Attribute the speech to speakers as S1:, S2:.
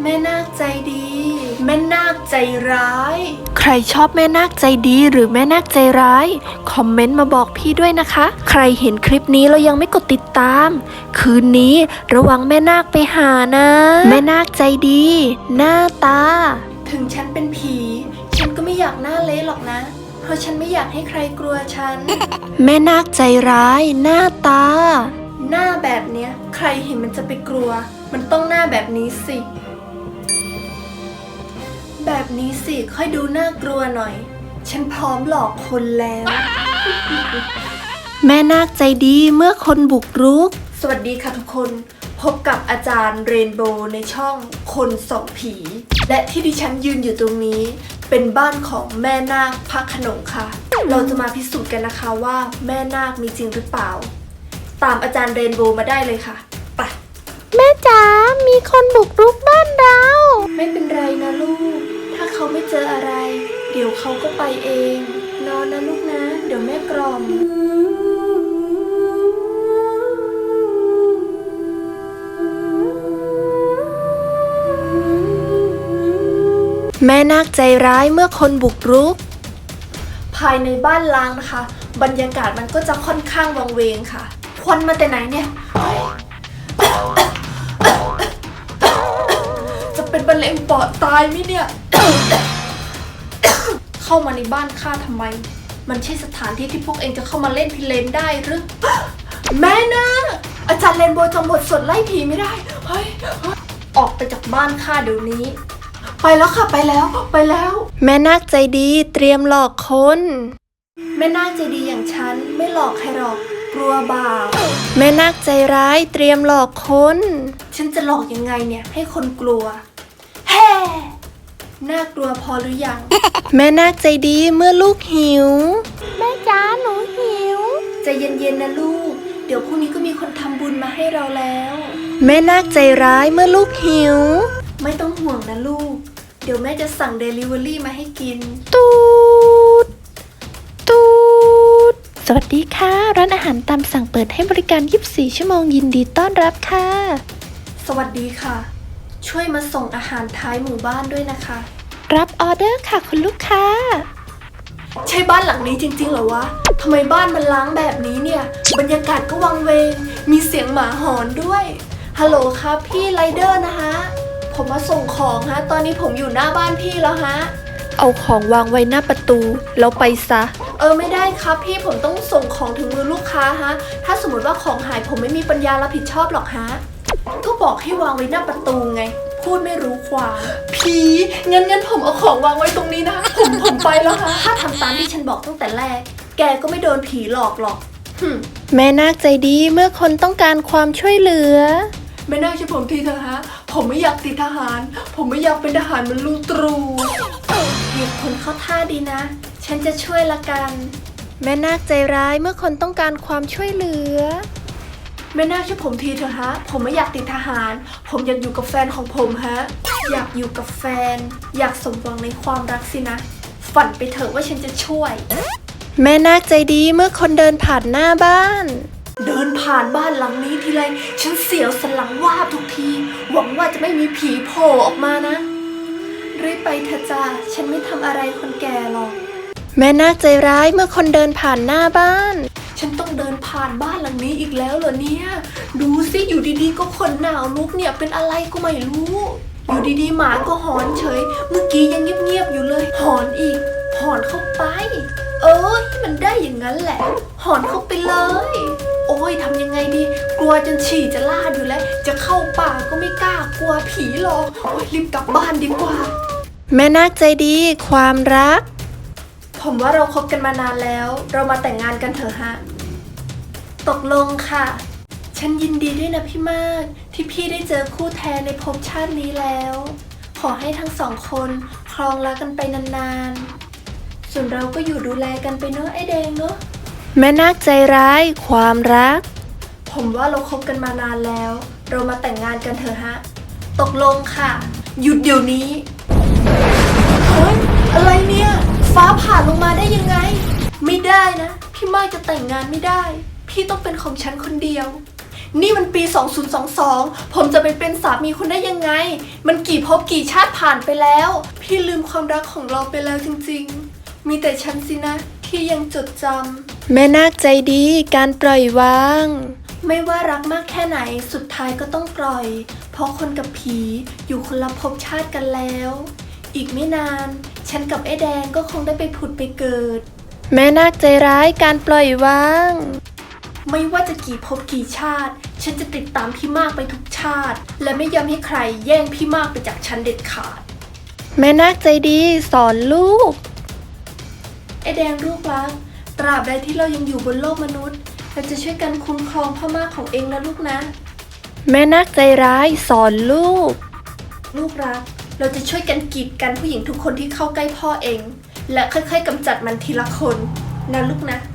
S1: แม่นาคใจดี แม่นาคใจร้าย ใครชอบแม่นาคใจดีหรือแม่นาคใจร้ายคอมเมนต์มาบอกพี่ด้วยนะคะ ใครเห็นคลิปนี้แล้วยังไม่กดติดตามคืนนี้ระวังแม่นาคไปหานะแม่นาคใจดีหน้าตาถึงฉันเป็นผีฉันก็ไม่อยากหน้าเละหรอกนะเพราะฉันไม่อยากให้ใครกลัวฉัน แม่นาคใจร้ายหน้าตาหน้าแบบเนี้ยใครเห็นมันจะไปกลัวมันต้องหน้าแบบนี้สิแบบนี้สิค่อยดูน่ากลัวหน่อยฉันพร้อมหลอกคนแล้ว แม่นาคใจดีเมื่อคนบุกรุกสวัสดีค่ะทุกคนพบกับอาจารย์เรนโบว์ในช่องคนส่องผีและที่ดิฉันยืนอยู่ตรงนี้เป็นบ้านของแม่นาคพระโขนงค่ะเราจะมาพิสูจน์กันนะคะว่าแม่นาคมีจริงหรือเปล่าตามอาจารย์เรนโบว์มาได้เลยค่ะไปแม่จ๋ามีคนบุกรุกบ้านเราไม่เป็นไรนะลูกถ้าเขาไม่เจออะไรเดี๋ยวเขาก็ไปเองนอนนะลูกนะเดี๋ยวแม่กล่อมแม่นาคใจร้ายเมื่อคนบุกรุกภายในบ้านล้างนะคะบรรยากาศมันก็จะค่อนข้างวังเวงค่ะควันมาแต่ไหนเนี่ยจะเป็นมะเร็งปอดตายไหมเนี่ย เข้ามาในบ้านข้าทำไมมันใช่สถานที่ที่พวกเองจะเข้ามาเล่นพิเรนได้หรือ แม่นะอาจารย์เรนโบว์จำบทสวดไล่ผีไม่ได้เฮ้ยออกไปจากบ้านข้าเดี๋ยวนี้ไปแล้วค่ะไปแล้วแม่นาคใจดีเตรียมหลอกคนแม่นาคใจดีอย่างฉันไม่หลอกใครหรอกกลัวบาปแม่นาคใจร้ายเตรียมหลอกคนฉันจะหลอกยังไงเนี่ยให้คนกลัวแฮ่น่ากลัวพอหรือยัง แม่นาคใจดีเมื่อลูกหิวแม่จ๋าหนูหิวใจเย็นๆนะลูกเดี๋ยวพรุ่งนี้ก็มีคนทำบุญมาให้เราแล้วแม่นาคใจร้ายเมื่อลูกหิวไม่ต้องห่วงนะลูกเดี๋ยวแม่จะสั่ง Delivery มาให้กินตูดสวัสดีค่ะร้านอาหารตามสั่งเปิดให้บริการ24ชั่วโมงยินดีต้อนรับค่ะสวัสดีค่ะช่วยมาส่งอาหารท้ายหมู่บ้านด้วยนะคะรับออเดอร์ค่ะคุณลูกค้าใช่บ้านหลังนี้จริงๆเหรอวะทำไมบ้านมันล้างแบบนี้เนี่ยบรรยากาศก็วังเวงมีเสียงหมาหอนด้วยฮัลโหลครับพี่ไรเดอร์นะคะผมมาส่งของฮะตอนนี้ผมอยู่หน้าบ้านพี่แล้วฮะเอาของวางไว้หน้าประตูแล้วไปซะไม่ได้ครับพี่ผมต้องส่งของถึงมือลูกค้าฮะถ้าสมมติว่าของหายผมไม่มีปัญญารับผิดชอบหรอกฮะก็บอกให้วางไว้หน้าประตูไงพูดไม่รู้ความผีงั้นผมเอาของวางไว้ตรงนี้นะผมไปแล้วฮะถ้าทำตามที่ฉันบอกตั้งแต่แรกแกก็ไม่โดนผีหลอกหรอกแม่นาคใจดีเมื่อคนต้องการความช่วยเหลือแม่นาคช่วยผมทีเถอะฮะผมไม่อยากติดทหารผมไม่อยากเป็นทหารเหมือนลุงตรูเหตุผลเข้าท่าดีนะฉันจะช่วยละกันแม่นาคใจร้ายเมื่อคนต้องการความช่วยเหลือแม่นาคช่วยผมทีเถอะฮะผมไม่อยากติดทหารผมอยากอยู่กับแฟนของผมฮะอยากอยู่กับแฟนอยากสมหวังในความรักสินะฝันไปเถอะว่าฉันจะช่วยแม่นาคใจดีเมื่อคนเดินผ่านหน้าบ้านเดินผ่านบ้านหลังนี้ทีไรฉันเสียวสันหลังวาบทุกทีหวังว่าจะไม่มีผีโผล่ออกมานะรีบไปเถอะจ้าฉันไม่ทำอะไรคนแก่หรอกแม่นาคใจร้ายเมื่อคนเดินผ่านหน้าบ้านฉันต้องเดินผ่านบ้านหลังนี้อีกแล้วเหรอเนี่ยดูสิอยู่ดีๆก็ขนหนาวลุกเนี่ยเป็นอะไรก็ไม่รู้อยู่ดีๆหมาก็หอนเฉยเมื่อกี้ยังเงียบๆอยู่เลยหอนอีกหอนเข้าไปมันได้อย่างนั้นแหละหอนเข้าไปเลยโอ้ยทำยังไงดีกลัวจนฉี่จะลาดอยู่แล้วจะเข้าป่าก็ไม่กล้ากลัวผีหรอกโอ้ยรีบกลับบ้านดีกว่าแม่นาคใจดีความรักผมว่าเราคบกันมานานแล้วเรามาแต่งงานกันเถอะฮะตกลงค่ะฉันยินดีด้วยนะพี่มากที่พี่ได้เจอคู่แท้ในภพชาตินี้แล้วขอให้ทั้งสองคนครองรักกันไปนานๆส่วนเราก็อยู่ดูแลกันไปเนอะไอแดงเนอะแม่นาคใจร้ายความรักผมว่าเราคบกันมานานแล้วเรามาแต่งงานกันเถอะฮะตกลงค่ะหยุดเดี๋ยวนี้เฮ้ยอะไรเนี่ยฟ้าผ่าลงมาได้ยังไงไม่ได้นะพี่มากจะแต่งงานไม่ได้พี่ต้องเป็นของฉันคนเดียวนี่มันปี 2022 ผมจะไปเป็นสามีคุณได้ยังไง มันกี่ภพกี่ชาติผ่านไปแล้ว พี่ลืมความรักของเราไปแล้วจริงๆ มีแต่ฉันสินะที่ยังจดจำแม่นาคใจดีการปล่อยวาง ไม่ว่ารักมากแค่ไหนสุดท้ายก็ต้องปล่อย เพราะคนกับผีอยู่คนละภพชาติกันแล้ว อีกไม่นานฉันกับไอ้แดงก็คงได้ไปผุดไปเกิด แม่นาคใจร้ายการปล่อยวาง ไม่ว่าจะกี่ภพกี่ชาติ ฉันจะติดตามพี่มากไปทุกชาติ และไม่ยอมให้ใครแย่งพี่มากไปจากฉันเด็ดขาด แม่นาคใจดีสอนลูก ไอ้แดงลูกรัก ตราบใดที่เรายังอยู่บนโลกมนุษย์เราจะช่วยกันคุ้มครองพ่อมากของเองนะลูกนะ แม่นาคใจร้ายสอนลูก ลูกรัก เราจะช่วยกันกีดกันผู้หญิงทุกคนที่เข้าใกล้พ่อเอง และค่อยๆกำจัดมันทีละคนนะลูกนะ